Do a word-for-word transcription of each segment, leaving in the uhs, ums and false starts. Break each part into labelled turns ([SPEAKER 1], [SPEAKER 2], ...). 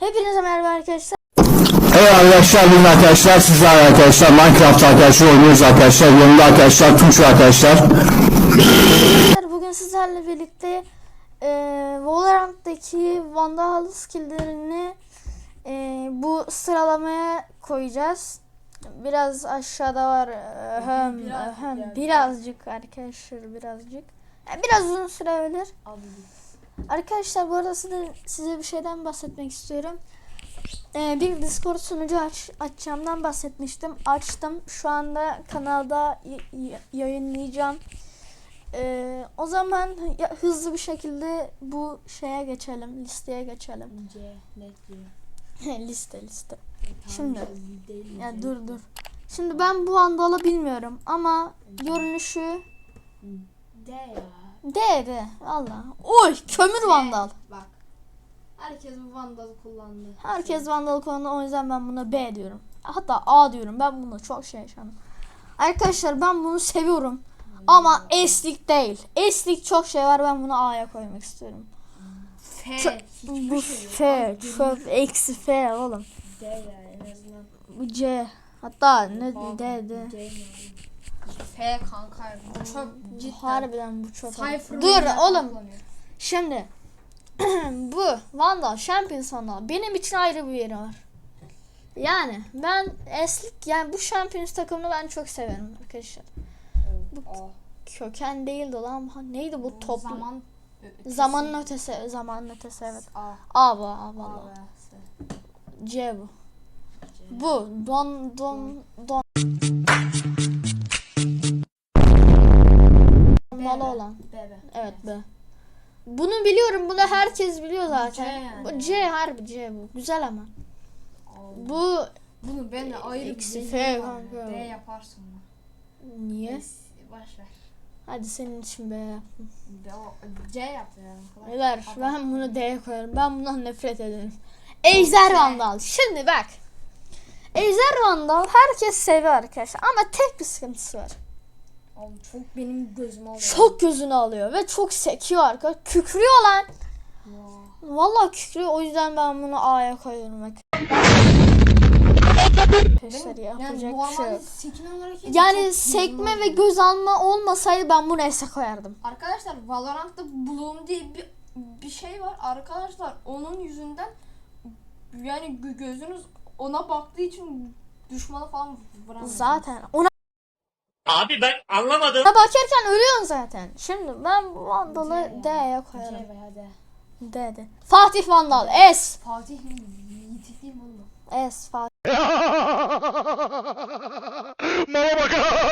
[SPEAKER 1] Hepinize merhaba arkadaşlar.
[SPEAKER 2] Evet arkadaşlar, bugün arkadaşlar sizler arkadaşlar Minecraft arkadaşlar oynuyoruz arkadaşlar. Yanımda arkadaşlar Tunç arkadaşlar.
[SPEAKER 1] Bugün sizlerle birlikte e, Valorant'taki Vandal skill'lerini e, bu sıralamaya koyacağız. Biraz aşağıda var. Ahem,
[SPEAKER 3] Biraz,
[SPEAKER 1] ahem,
[SPEAKER 3] biraz,
[SPEAKER 1] birazcık arkadaşlar birazcık. Yani biraz uzun sürebilir. Arkadaşlar bu arada size, size bir şeyden bahsetmek istiyorum. Ee, bir Discord sunucu aç, açacağımdan bahsetmiştim. Açtım. Şu anda kanalda yayınlayacağım. Ee, o zaman ya, hızlı bir şekilde bu şeye geçelim. Listeye geçelim.
[SPEAKER 3] C, net diyor.
[SPEAKER 1] liste liste.
[SPEAKER 3] E,
[SPEAKER 1] Şimdi
[SPEAKER 3] değil,
[SPEAKER 1] ya
[SPEAKER 3] C.
[SPEAKER 1] dur dur. Şimdi ben bu Vandal'ı bilmiyorum ama görünüşü
[SPEAKER 3] D ya.
[SPEAKER 1] D D. Valla. Oy kömür
[SPEAKER 3] C.
[SPEAKER 1] Vandal.
[SPEAKER 3] Bak. Herkes bu Vandal'ı kullandı.
[SPEAKER 1] Herkes Vandal kullandı, o yüzden ben buna B diyorum. Hatta A diyorum. Ben bunu çok şey yaşadım. Arkadaşlar ben bunu seviyorum. Ama S'lik değil. S'lik çok şey var, ben bunu A'ya koymak istiyorum.
[SPEAKER 3] F.
[SPEAKER 1] Çö-
[SPEAKER 3] hiçbir
[SPEAKER 1] bu
[SPEAKER 3] şey yok.
[SPEAKER 1] F,
[SPEAKER 3] Bak,
[SPEAKER 1] çöp, eksi F oğlum.
[SPEAKER 3] D ya en azından.
[SPEAKER 1] Bu C. Hatta ne
[SPEAKER 3] Bak,
[SPEAKER 1] D D.
[SPEAKER 3] C yani. F kanka. Bu çok cidden.
[SPEAKER 1] Harbiden bu çok.
[SPEAKER 3] Cypher
[SPEAKER 1] Dur
[SPEAKER 3] oyunlar
[SPEAKER 1] oğlum.
[SPEAKER 3] kullanıyor.
[SPEAKER 1] Şimdi bu Vandal Champions Vandal benim için ayrı bir yeri var. Yani ben S'lik, yani bu Champions takımını ben çok severim arkadaşlar. Bu
[SPEAKER 3] A.
[SPEAKER 1] köken değildi lan. Ha, neydi bu toplu?
[SPEAKER 3] Zaman.
[SPEAKER 1] Zamanın ötesi, zamanın ötesi evet.
[SPEAKER 3] A.
[SPEAKER 1] A bu, A
[SPEAKER 3] A
[SPEAKER 1] valla.
[SPEAKER 3] ve S.
[SPEAKER 1] C bu.
[SPEAKER 3] C.
[SPEAKER 1] Bu don don don. Malı olan.
[SPEAKER 3] B, B.
[SPEAKER 1] Evet be. Bunu biliyorum. Bunu herkes biliyor zaten.
[SPEAKER 3] C yani.
[SPEAKER 1] Bu C harbi C bu. Güzel ama. Bu
[SPEAKER 3] Bunu ben de ayrı
[SPEAKER 1] Eksi
[SPEAKER 3] bir
[SPEAKER 1] F
[SPEAKER 3] şey
[SPEAKER 1] kanka.
[SPEAKER 3] D yaparsın bunu.
[SPEAKER 1] niye?
[SPEAKER 3] Boş ver.
[SPEAKER 1] Hadi senin için B yaptım.
[SPEAKER 3] D, o, C yap ya. Kolay.
[SPEAKER 1] Beyler
[SPEAKER 3] Adam-
[SPEAKER 1] ben bunu D'ye koyarım. Ben bundan nefret ederim. Ejder Vandal. Şimdi bak. Ejder Vandal herkes seviyor arkadaşlar. Ama tek bir sıkıntısı var.
[SPEAKER 3] Oğlum çok benim gözüme alıyor.
[SPEAKER 1] Çok gözünü alıyor ve çok sekiyor arkadaşlar. Kükrüyor lan.
[SPEAKER 3] Wow.
[SPEAKER 1] Vallahi kükrüyor. O yüzden ben bunu A'ya koyuyorum. Bak. Arkadaşlar
[SPEAKER 3] Yani
[SPEAKER 1] yapacak bir şey
[SPEAKER 3] normalde
[SPEAKER 1] yok.
[SPEAKER 3] sekme olarak hiç
[SPEAKER 1] Yani
[SPEAKER 3] çok
[SPEAKER 1] sekme
[SPEAKER 3] gözüme
[SPEAKER 1] ve
[SPEAKER 3] alıyor.
[SPEAKER 1] göz alma olmasaydı ben bunu S'e koyardım.
[SPEAKER 3] Arkadaşlar Valorant'ta Bloom diye bir bir şey var. Arkadaşlar onun yüzünden yani gö- gözünüz ona baktığı için düşmanı falan vuramıyorsunuz.
[SPEAKER 1] Zaten ona
[SPEAKER 4] Abi ben anlamadım.
[SPEAKER 1] bakarken ölüyorsun zaten. Şimdi ben bu Vandal'ı
[SPEAKER 3] C
[SPEAKER 1] D'ye
[SPEAKER 3] ya.
[SPEAKER 1] koyarım.
[SPEAKER 3] C veya D.
[SPEAKER 1] D D. Fatih Vandal. S.
[SPEAKER 3] Fatih mi? Yiğit değil mi oğlum?
[SPEAKER 1] S. Fatih.
[SPEAKER 4] Mama bak.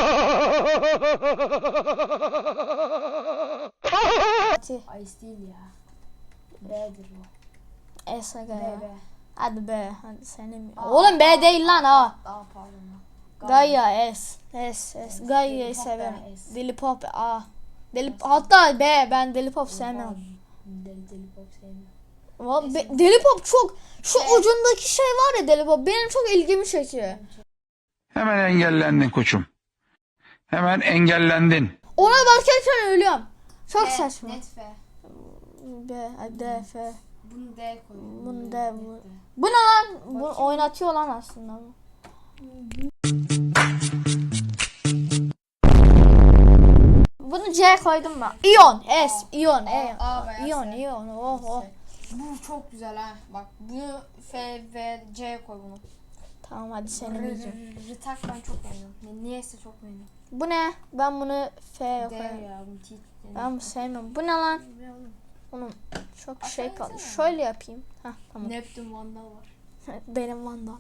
[SPEAKER 1] Fatih.
[SPEAKER 3] Ice değil ya. B'dir bu.
[SPEAKER 1] S aga
[SPEAKER 3] B,
[SPEAKER 1] ya.
[SPEAKER 3] B.
[SPEAKER 1] Hadi B. Hadi senin.
[SPEAKER 3] Aa,
[SPEAKER 1] Oğlum B değil lan A.
[SPEAKER 3] Aa pardon.
[SPEAKER 1] Gaia S. S. S. Gaia'yı
[SPEAKER 3] Deli Pop
[SPEAKER 1] severim.
[SPEAKER 3] da S.
[SPEAKER 1] Deli Pop A. Deli Hatta B. Ben Deli Pop sevmem.
[SPEAKER 3] Deli deli pop sevmiyorum.
[SPEAKER 1] Vallahi be- Deli Pop çok şu ucundaki şey var ya, Deli Pop benim çok ilgimi çekiyor.
[SPEAKER 5] Hemen engellendin koçum. Hemen engellendin.
[SPEAKER 1] Ona bakarken ölüyorum. Çok
[SPEAKER 3] F,
[SPEAKER 1] saçma.
[SPEAKER 3] Net F.
[SPEAKER 1] B, D, F.
[SPEAKER 3] Bunu D koyuyorum.
[SPEAKER 1] Bunu
[SPEAKER 3] Net
[SPEAKER 1] D, bu.
[SPEAKER 3] D.
[SPEAKER 1] Bu ne lan? Bu oynatıyor lan aslında. Bunu C koydum ben. Ion, S, Ion, E.
[SPEAKER 3] A veya
[SPEAKER 1] Ion,
[SPEAKER 3] S.
[SPEAKER 1] Ion. Oh oh.
[SPEAKER 3] Bu çok güzel ha. Bak bunu F ve C koy bunu.
[SPEAKER 1] Tamam hadi seni diyeceğim.
[SPEAKER 3] Rıtak ben çok beğeniyorum. Ne- Niyeyse çok beğeniyorum.
[SPEAKER 1] Bu ne? Ben bunu F'ye
[SPEAKER 3] D
[SPEAKER 1] koyarım.
[SPEAKER 3] ya. Bu T.
[SPEAKER 1] Ben bunu sevmiyorum. Bu ne lan? Oğlum çok şey kaldı. Şöyle yapayım. Heh tamam.
[SPEAKER 3] Neptün Vandal var.
[SPEAKER 1] Benim Vandal.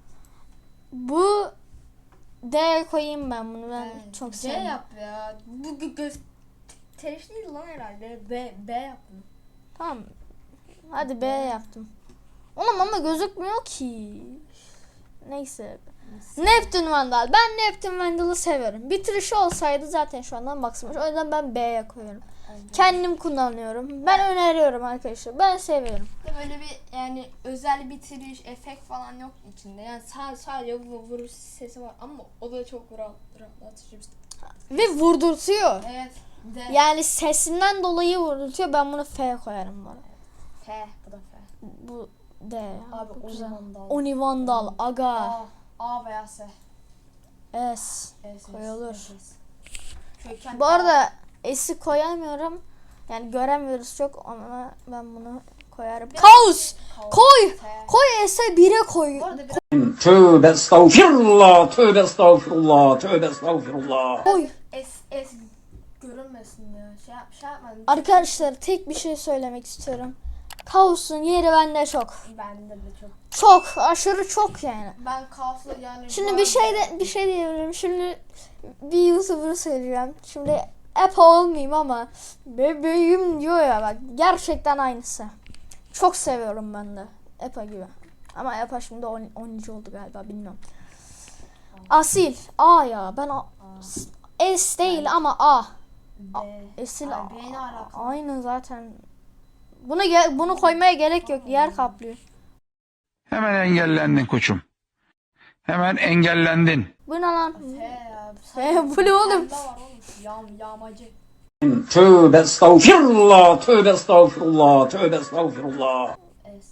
[SPEAKER 1] Bu D koyayım ben bunu. Ben
[SPEAKER 3] Evet,
[SPEAKER 1] çok
[SPEAKER 3] C
[SPEAKER 1] sevmiyorum.
[SPEAKER 3] yap ya. Bu gö- göz teriş değil lan herhalde. B B yap bunu.
[SPEAKER 1] Tamam. Hadi B yaptım. Oğlum ama gözükmüyor ki. Neyse. Neptün Vandal. Ben Neptün Vandal'ı seviyorum. Bitirişi olsaydı zaten şu andan baksamış. O yüzden ben B'ye koyuyorum. Kendim kullanıyorum. Ben öneriyorum arkadaşlar. Ben seviyorum.
[SPEAKER 3] De böyle bir yani özel bitiriş, efekt falan yok içinde. Yani sadece, sadece vu- vuruş sesi var ama o da çok rahat, rahatlatıcı bir şey.
[SPEAKER 1] Ve vurdurtuyor.
[SPEAKER 3] Evet. D.
[SPEAKER 1] Yani sesinden dolayı vurdurtuyor. Ben bunu F koyarım bana.
[SPEAKER 3] F. Bu da F.
[SPEAKER 1] Bu D ya.
[SPEAKER 3] Abi
[SPEAKER 1] Bu güzel.
[SPEAKER 3] Onivandal.
[SPEAKER 1] Onivandal. Aga.
[SPEAKER 3] A, A veya S.
[SPEAKER 1] S.
[SPEAKER 3] S, S,
[SPEAKER 1] Koyulur.
[SPEAKER 3] S, S. Köken
[SPEAKER 1] Bu
[SPEAKER 3] A.
[SPEAKER 1] arada S'i koyamıyorum. Yani göremiyoruz çok ama ben bunu koyarım. Kaos.
[SPEAKER 3] Kaos.
[SPEAKER 1] Koy.
[SPEAKER 3] T.
[SPEAKER 1] Koy S'e bire koy.
[SPEAKER 3] Bu arada biraz
[SPEAKER 2] Tövbe estağfirullah, tövbe estağfirullah, tövbe estağfirullah.
[SPEAKER 1] Koy.
[SPEAKER 3] S, S görünmesin ya. Şey, yap, şey yapmadım.
[SPEAKER 1] Arkadaşlar tek bir şey söylemek istiyorum. Kaos'un yeri bende çok.
[SPEAKER 3] Bende de çok.
[SPEAKER 1] Çok. Aşırı çok yani.
[SPEAKER 3] Ben kaosla yani.
[SPEAKER 1] Şimdi
[SPEAKER 3] bu
[SPEAKER 1] bir şey
[SPEAKER 3] arada-
[SPEAKER 1] de bir şey diyebilirim. Şimdi bir YouTuber söyleyeceğim. Şimdi Epa olmayayım ama bebeğim diyor ya bak gerçekten aynısı. Çok seviyorum ben de Epa gibi. Ama Epa şimdi onuncu oldu galiba bilmiyorum. Asil A ya ben A, S değil ama A.
[SPEAKER 3] B.
[SPEAKER 1] Esil
[SPEAKER 3] Ay, B ne alaka?
[SPEAKER 1] aynı zaten. Bunu ge- bunu koymaya gerek yok. Yer kaplıyor.
[SPEAKER 5] Hemen engellendin koçum. Hemen engellendin.
[SPEAKER 1] Bu ne lan?
[SPEAKER 3] F ya.
[SPEAKER 1] F, bu ne oğlum?
[SPEAKER 3] Pembe var oğlum. Yağ, yağmacı.
[SPEAKER 2] Tövbe estağfirullah, tövbe estağfirullah, tövbe estağfirullah.
[SPEAKER 3] S.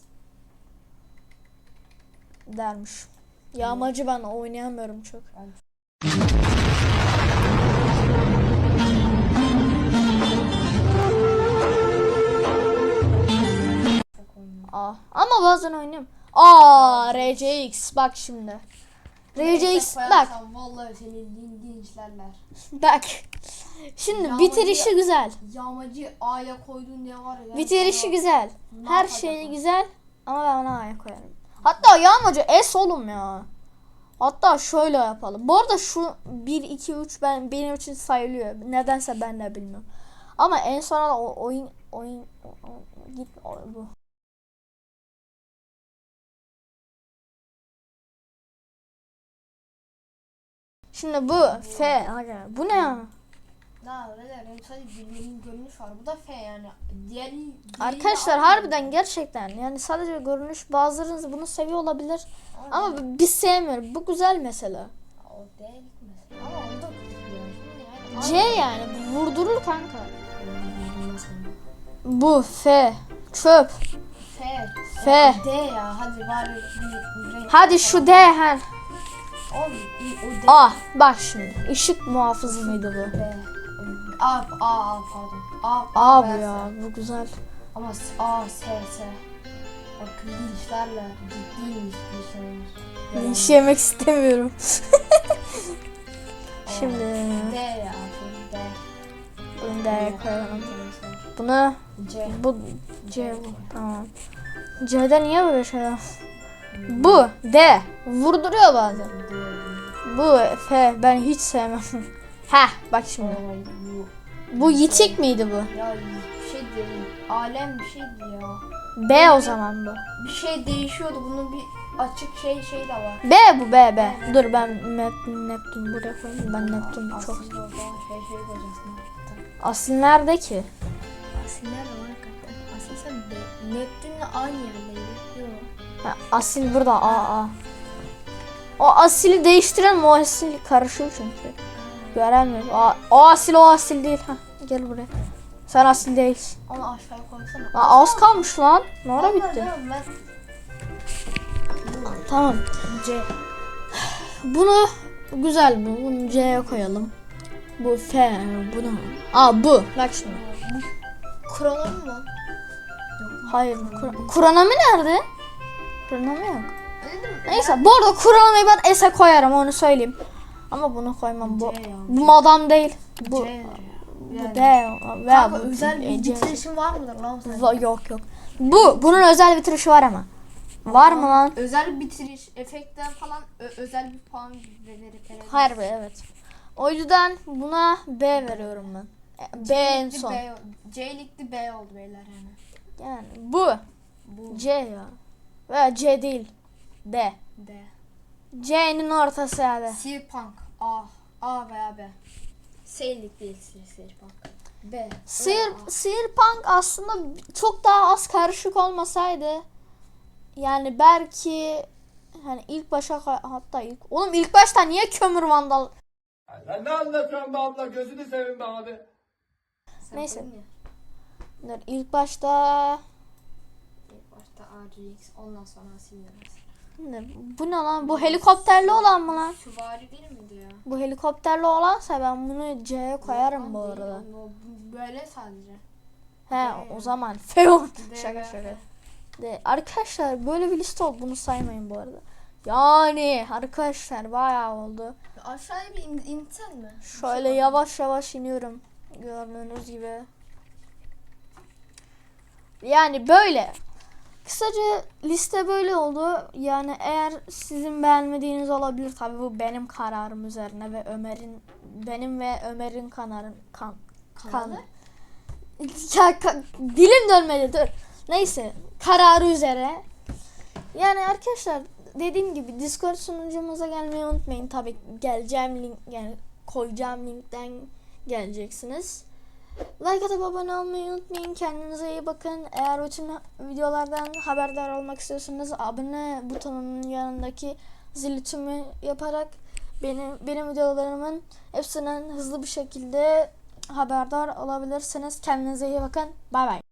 [SPEAKER 1] Dermiş. Yağmacı ben oynayamıyorum çok. A. Ama bazen oynuyorum. Aa R C X bak şimdi. R C X bak
[SPEAKER 3] Koyarsam Vallahi seni din dinçlerler.
[SPEAKER 1] bak. Şimdi
[SPEAKER 3] Yağmacı-
[SPEAKER 1] bitirişi güzel.
[SPEAKER 3] Yağmacı A'ya koydun diye var ya.
[SPEAKER 1] Bitirişi
[SPEAKER 3] sana-
[SPEAKER 1] güzel.
[SPEAKER 3] Ne
[SPEAKER 1] Her
[SPEAKER 3] yapacak
[SPEAKER 1] şeyi
[SPEAKER 3] o?
[SPEAKER 1] güzel ama ben ona A'ya koyarım. Hatta yağmacı S oğlum ya. Hatta şöyle yapalım. Bu arada şu bir iki üç ben benim için sayılıyor. Nedense ben de bilmiyorum. Ama en sona da o oyun oyun o- o- git o- bu. Şimdi bu F. Aga, bu ne ya?
[SPEAKER 3] Ne öyle benim sadece benim görünüş var. Bu da F yani. Diğer
[SPEAKER 1] Arkadaşlar harbiden gerçekten yani sadece görünüş bazılarınız bunu seviyor olabilir ama biz sevmiyoruz. Bu güzel mesela.
[SPEAKER 3] O değil mesela. Ama o da güzel. Şimdi
[SPEAKER 1] C
[SPEAKER 3] yani.
[SPEAKER 1] yani bu vurdurur kanka. Bu F çöp.
[SPEAKER 3] F.
[SPEAKER 1] F.
[SPEAKER 3] D ya. Hadi bari bir, bir renk.
[SPEAKER 1] Hadi şu D her.
[SPEAKER 3] Oğlum o D.
[SPEAKER 1] A bak şimdi ışık muhafızı mıydı bu?
[SPEAKER 3] B. A, A, A pardon. A,
[SPEAKER 1] A bu
[SPEAKER 3] veya
[SPEAKER 1] ya
[SPEAKER 3] S.
[SPEAKER 1] bu güzel.
[SPEAKER 3] Ama S- A, S, S. Bakın linçlerle ciddi linçlerimiz.
[SPEAKER 1] Linç yemek istemiyorum. Şimdi
[SPEAKER 3] D ya. bu D.
[SPEAKER 1] bunu D'ye koyalım. Bunu
[SPEAKER 3] C.
[SPEAKER 1] bu C bu tamam. C'de niye böyle şey var? Bu D vurduruyor bazen. Bu F ben hiç sevmem. Heh bak şimdi.
[SPEAKER 3] Ay, bu.
[SPEAKER 1] Bu yitik miydi bu?
[SPEAKER 3] Ya bir şey değil. Alem bir şeydi ya.
[SPEAKER 1] B o zaman bu.
[SPEAKER 3] Bir şey değişiyordu. Bunun bir açık şey şey de var.
[SPEAKER 1] B bu B B. Dur ben Nep- Neptün buraya koyayım. Ben Neptün çok.
[SPEAKER 3] Aslında o zaman şey şey koyacaksın.
[SPEAKER 1] Asil nerede ki?
[SPEAKER 3] Asil nerede var hakikaten? Asil sen de Neptün'le aynı yerdeydi. Yok.
[SPEAKER 1] Ha, asil burada A A. O asili değiştiren mi? O asil karışıyor çünkü. Göremiyorum. O, o asil o asil değil. Ha, gel buraya. Sen asil değilsin.
[SPEAKER 3] Onu aşağıya koysana.
[SPEAKER 1] Aa, az kalmış lan. Ne ara
[SPEAKER 3] Vallahi
[SPEAKER 1] bitti?
[SPEAKER 3] diyorum ben
[SPEAKER 1] Tamam.
[SPEAKER 3] C.
[SPEAKER 1] Bunu güzel bu. Bunu C'ye koyalım. Bu F. Bunu. Aa bu. Bak şimdi.
[SPEAKER 3] Kronom mu?
[SPEAKER 1] Hayır. Kur- Kuranami nerede? Kuranami yok.
[SPEAKER 3] Öyle değil mi?
[SPEAKER 1] Neyse bu arada Kuranami'yi ben S'e koyarım onu söyleyeyim. Ama bunu koymam. Bu,
[SPEAKER 3] C ya.
[SPEAKER 1] bu madam değil. Bu,
[SPEAKER 3] C.
[SPEAKER 1] bu D. Veya
[SPEAKER 3] Kanka
[SPEAKER 1] bu
[SPEAKER 3] özel bir
[SPEAKER 1] C.
[SPEAKER 3] bitirişin var mıdır lan senin?
[SPEAKER 1] Va- Yok yok. Bu bunun özel bitirişi var ama. Var mı lan?
[SPEAKER 3] Özel bitiriş, efektler falan ö- özel bir puan vererek verebiliriz.
[SPEAKER 1] Harbi evet. O yüzden buna B veriyorum ben. E, B en
[SPEAKER 3] C-likli
[SPEAKER 1] son.
[SPEAKER 3] B, C-likli B oldu beyler yani.
[SPEAKER 1] Yani bu
[SPEAKER 3] Bu
[SPEAKER 1] C ya. Veya C değil. D.
[SPEAKER 3] D.
[SPEAKER 1] C'nin ortası yani.
[SPEAKER 3] Cyberpunk A. A veya B. Seyirlik değil Cyberpunk. B.
[SPEAKER 1] Sihir, Sihirpunk aslında çok daha az karışık olmasaydı yani belki hani ilk başa hatta ilk oğlum ilk başta niye kömür vandal
[SPEAKER 6] Sen ne anlatıyorsun be abla? Gözünü seveyim be abi.
[SPEAKER 3] Sen
[SPEAKER 1] Neyse.
[SPEAKER 3] koydun ya.
[SPEAKER 1] dur ilk başta
[SPEAKER 3] İlk başta Hatta R G X ondan sonra silmemiz.
[SPEAKER 1] Ne- Bu ne lan? Bu helikopterli olan mı lan?
[SPEAKER 3] Süvari değil miydi ya?
[SPEAKER 1] Bu helikopterli olansa ben bunu C'ye koyarım
[SPEAKER 3] Lan
[SPEAKER 1] bu
[SPEAKER 3] değil,
[SPEAKER 1] arada.
[SPEAKER 3] o- o Böyle sadece.
[SPEAKER 1] He o zaman Feon.
[SPEAKER 3] D
[SPEAKER 1] Şaka
[SPEAKER 3] V.
[SPEAKER 1] şaka. De, arkadaşlar böyle bir liste olduğunu saymayın bu arada. Yani arkadaşlar bayağı oldu.
[SPEAKER 3] Aşağıya bir in, insen mi?
[SPEAKER 1] Şöyle yavaş yavaş iniyorum. Gördüğünüz gibi. Yani böyle. Kısaca liste böyle oldu. Yani eğer sizin beğenmediğiniz olabilir. Tabii bu benim kararım üzerine ve Ömer'in benim ve Ömer'in kanarın kan kan.
[SPEAKER 3] Kanalı?
[SPEAKER 1] Ya, ka- dilim dönmedi dur. Neyse kararı üzere. Yani arkadaşlar dediğim gibi Discord sunucumuza gelmeyi unutmayın. Tabii geleceğim link yani koyacağım linkten geleceksiniz. Like atıp abone olmayı unutmayın. Kendinize iyi bakın. Eğer bütün videolardan haberdar olmak istiyorsanız abone butonunun yanındaki zili tümü yaparak benim benim videolarımın hepsinden hızlı bir şekilde haberdar olabilirsiniz. Kendinize iyi bakın. Bay bay.